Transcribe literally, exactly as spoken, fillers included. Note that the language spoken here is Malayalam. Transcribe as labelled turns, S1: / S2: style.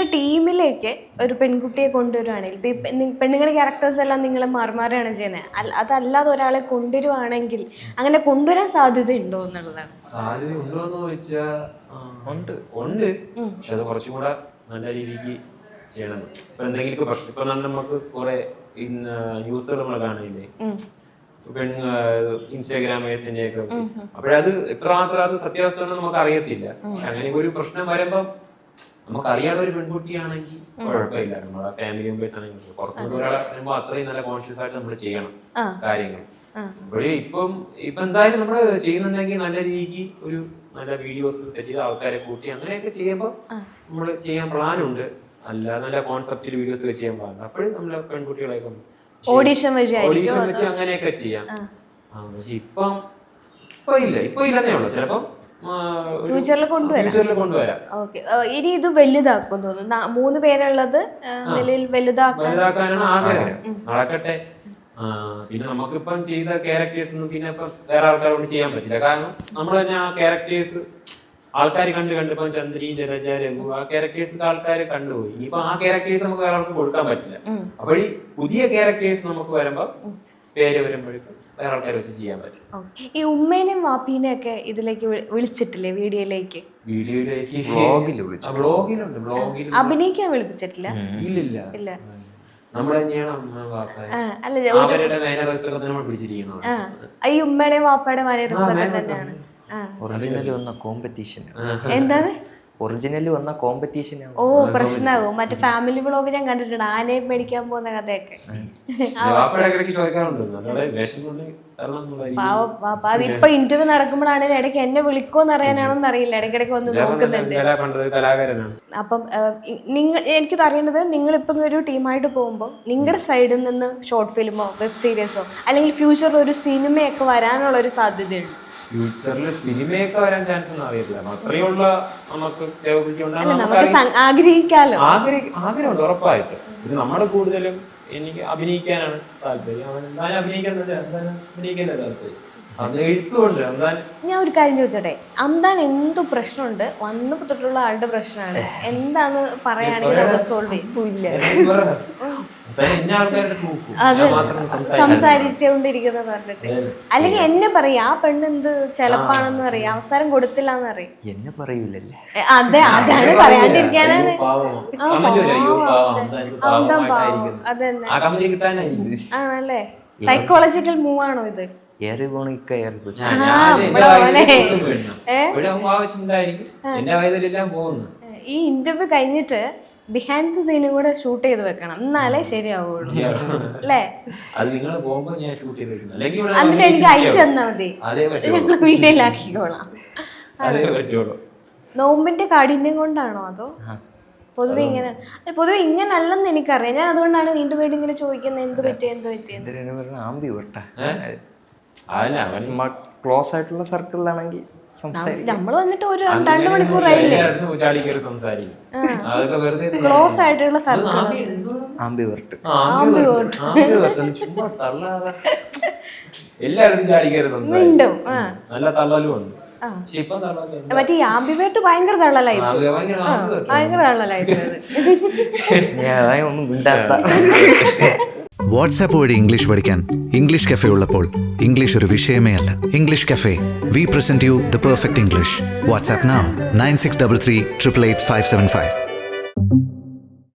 S1: ടീമിലേക്ക് ഒരു പെൺകുട്ടിയെ കൊണ്ടുവരുവാണെങ്കിൽ ഇപ്പൊ ഈ പെണ്ണുങ്ങളുടെ ക്യാരക്ടേഴ്സ് എല്ലാം നിങ്ങൾ മാറിമാറാണ് ചെയ്യുന്നത്, അതല്ലാതെ ഒരാളെ കൊണ്ടുവരുവാണെങ്കിൽ അങ്ങനെ കൊണ്ടുവരാൻ സാധ്യത ഉണ്ടോ എന്നുള്ളതാണ്.
S2: സാധ്യത ഉണ്ടോ എന്ന് ചോദിച്ചാൽ ഉണ്ട് ഉണ്ട് പക്ഷെ അത് കുറച്ചും കൂടെ നല്ല രീതിക്ക് ചെയ്യണം. ഇപ്പൊ എന്തെങ്കിലും പ്രശ്നം ഇപ്പൊ നമുക്ക് കുറെ ന്യൂസുകൾ നമ്മൾ കാണില്ലേ, ഇൻസ്റ്റാഗ്രാം പേജിന്റെ ഒക്കെ, അപ്പോഴത് എത്രമാത്രം അത് സത്യാവസ്ഥ നമുക്ക് അറിയത്തില്ല. പക്ഷെ അങ്ങനെ ഒരു പ്രശ്നം വരുമ്പോ നമുക്ക് അറിയാതെ ഒരു പെൺകുട്ടിയാണെങ്കിൽ കുഴപ്പമില്ല, നമ്മളെ ഫാമിലി മെമ്പേഴ്സ് ആണെങ്കിൽ പുറത്തുനിന്ന് ഒരാളെ വരുമ്പോ അത്രയും നല്ല കോൺഷ്യസ് ആയിട്ട് നമ്മൾ ചെയ്യണം കാര്യങ്ങൾ. അപ്പോഴേ ഇപ്പം ഇപ്പൊ എന്തായാലും നമ്മൾ ചെയ്യുന്നുണ്ടെങ്കിൽ നല്ല രീതിക്ക് ഒരു നല്ല വീഡിയോസ് സെറ്റ് ചെയ്ത് ആൾക്കാരെ കൂട്ടി അങ്ങനെയൊക്കെ ചെയ്യുമ്പോൾ നമ്മൾ ചെയ്യാൻ പ്ലാനുണ്ട്. അല്ല നല്ല കോൺസെപ്റ്റിൽ വീഡിയോസ് ചെയ്യാൻ പ്ലാനുണ്ട്. അപ്പോഴും നമ്മളെ പെൺകുട്ടികളെയൊക്കെ
S1: ഓഡിഷൻ
S2: ഓഡിഷൻ വെച്ച് അങ്ങനെയൊക്കെ ചെയ്യാം. പക്ഷെ ഇപ്പം ഇപ്പൊ ഇല്ല ഇപ്പൊ ഇല്ലെന്നേ ഉള്ളു, ചിലപ്പം
S1: ഫ്യൂച്ചറിൽ കൊണ്ടുവരാം. ഓക്കെ, ഇനി ഇത് വലുതാക്കും തോന്നുന്നു. മൂന്ന് പേരുള്ളത് നിലയിൽ
S2: വലുതാക്കാനാണ് ആഗ്രഹം. നടക്കട്ടെ. പിന്നെ നമുക്കിപ്പം ചെയ്ത ക്യാരക്ടേഴ്സ് ഒന്നും പിന്നെ ഇപ്പം വേറെ ആൾക്കാരോട് ചെയ്യാൻ പറ്റില്ല. കാരണം നമ്മൾ തന്നെ ആ ക്യാരക്ടേഴ്സ് ആൾക്കാർ കണ്ട് കണ്ടിപ്പം ചന്ദ്രി, ജലജ, രഘു ആ ക്യാരക്ടേഴ്സ് ആൾക്കാർ കണ്ടുപോയി. ഇനിയിപ്പോ ആ ക്യാരക്ടേഴ്സ് നമുക്ക് വേറെ ആൾക്ക് കൊടുക്കാൻ പറ്റില്ല. അപ്പോൾ ഈ പുതിയ ക്യാരക്ടേഴ്സ് നമുക്ക് വരുമ്പോ പേര് വരുമ്പോഴേക്കും വേറെ ആൾക്കാർ വെച്ച് ചെയ്യാൻ പറ്റും.
S1: ഈ ഉമ്മേനെയും വാപ്പീനെയും ഒക്കെ ഇതിലേക്ക് വിളിച്ചിട്ടില്ലേ? വീഡിയോയിലേക്ക്
S2: വീഡിയോയിലേക്ക്
S3: വ്ളോഗിലുണ്ട്.
S2: വ്ളോഗിൽ
S1: അഭിനയിക്കാൻ വിളിപ്പിച്ചിട്ടില്ല.
S2: ഇല്ലില്ല
S1: ഇല്ല,
S2: നമ്മൾ തന്നെയാണ് അവരുടെ മാനേഴ്സ് ഒക്കെ നമ്മൾ പിടിച്ചിരിക്കുന്നത്.
S1: ഈ ഉമ്മയുടെയും വാപ്പയുടെയും മാനേഴ്സ് ഒക്കെ തന്നെയാണ്.
S3: ഒറിജിനൽ വന്ന കോമ്പറ്റീഷൻ.
S1: എന്താണ്
S3: ഒറിജിനൽ വന്ന കോമ്പറ്റീഷൻ?
S1: ഓ, പ്രശ്നമാകും. മറ്റേ ഫാമിലി വ്ളോഗ് ഞാൻ കണ്ടിട്ടുണ്ട്, ആനയെ മേടിക്കാൻ പോകുന്ന കഥയൊക്കെ. അതിപ്പോ ഇന്റർവ്യൂ നടക്കുമ്പോഴാണ് ഇടയ്ക്ക് എന്നെ വിളിക്കോന്ന് അറിയാനാണെന്ന് അറിയില്ല, ഇടയ്ക്കിടയ്ക്ക് ഒന്ന് നോക്കുന്നുണ്ട്. അപ്പം നിങ്ങൾ എനിക്കിത് അറിയേണ്ടത്, നിങ്ങളിപ്പം ഒരു ടീമായിട്ട് പോകുമ്പോൾ നിങ്ങളുടെ സൈഡിൽ നിന്ന് ഷോർട്ട് ഫിലിമോ വെബ് സീരീസോ അല്ലെങ്കിൽ ഫ്യൂച്ചറിൽ ഒരു സിനിമയൊക്കെ വരാനുള്ള ഒരു സാധ്യതയുണ്ട്.
S2: ഫ്യൂച്ചറിൽ സിനിമയൊക്കെ വരാൻ ചാൻസ് ഒന്നും അറിയത്തില്ല. അത്രയുള്ള നമുക്ക്
S1: ആഗ്രഹിക്കാലോ.
S2: ആഗ്രഹമുണ്ട് ഉറപ്പായിട്ട്. ഇത് നമ്മുടെ കൂടുതലും എനിക്ക് അഭിനയിക്കാനാണ് താല്പര്യം. എന്തായാലും അഭിനയിക്കാൻ അഭിനയിക്കാനാണ് താല്പര്യം. അത് എഴുത്തുകൊണ്ട്
S1: ഞാൻ ഒരു കാര്യം ചോദിച്ചോട്ടെ, അന്താൻ എന്തോ പ്രശ്നമുണ്ട് വന്നു തൊട്ടുള്ള ആളുടെ പ്രശ്നമാണ്, എന്താന്ന് പറയുകയാണെങ്കിൽ അത് സോൾവ് ചെയ്യില്ല. സംസാരിച്ചുകൊണ്ടിരിക്കുന്നത് പറഞ്ഞിട്ട് അല്ലെങ്കിൽ എന്നെ പറയും ആ പെണ്ണ് എന്ത് ചെലപ്പാണെന്ന് പറയും, അവസരം കൊടുത്തില്ല എന്ന് പറയും.
S3: എന്നെ പറയൂലല്ലേ?
S1: അതെ, അതാണ് പറയാണ്ടിരിക്കാനാണ്. അതന്നെ ആണല്ലേ. സൈക്കോളജിക്കൽ മൂവ് ആണോ ഇത്? ഈ ഇന്റർവ്യൂ കഴിഞ്ഞിട്ട് ബിഹൈൻഡ് ദി സീനും കൂടെ ഷൂട്ട് ചെയ്ത് വെക്കണം, എന്നാലേ ശരിയാവുള്ളൂ അല്ലേ? എന്നിട്ട് എനിക്ക് അയച്ചു തന്നാ മതി, ഞങ്ങൾ വീട്ടിലാക്കിക്കോളാം. നോമ്പിന്റെ കാഠിന്യം കൊണ്ടാണോ അതോ പൊതുവെ ഇങ്ങനെ? പൊതുവെ ഇങ്ങനെ അല്ലെന്ന് എനിക്കറിയാം, ഞാൻ അതുകൊണ്ടാണ് വീണ്ടും വീണ്ടും ഇങ്ങനെ ചോദിക്കുന്നത്, എന്ത് പറ്റിയ എന്ത് പറ്റിയെന്ന്.
S3: ക്ലോസ് ആയിട്ടുള്ള സർക്കിളിലാണെങ്കിൽ
S1: നമ്മൾ വന്നിട്ട് ഒരു രണ്ട് മണിക്കൂറായില്ലേ? ക്ലോസ് ആയിട്ടുള്ള സർക്കിൾ വീണ്ടും മറ്റേ ഈ ആംബിവേർട്ട് ഭയങ്കര തള്ളലായി, ഭയങ്കര തള്ളലായിരുന്നു.
S4: വാട്സാപ്പ് വഴി ഇംഗ്ലീഷ് പഠിക്കാൻ ഇംഗ്ലീഷ് കഫേ ഉള്ളപ്പോൾ ഇംഗ്ലീഷ് ഒരു വിഷയമേ അല്ല. English cafe, we present you the perfect English. WhatsApp now nine six three three eight eight five seven five.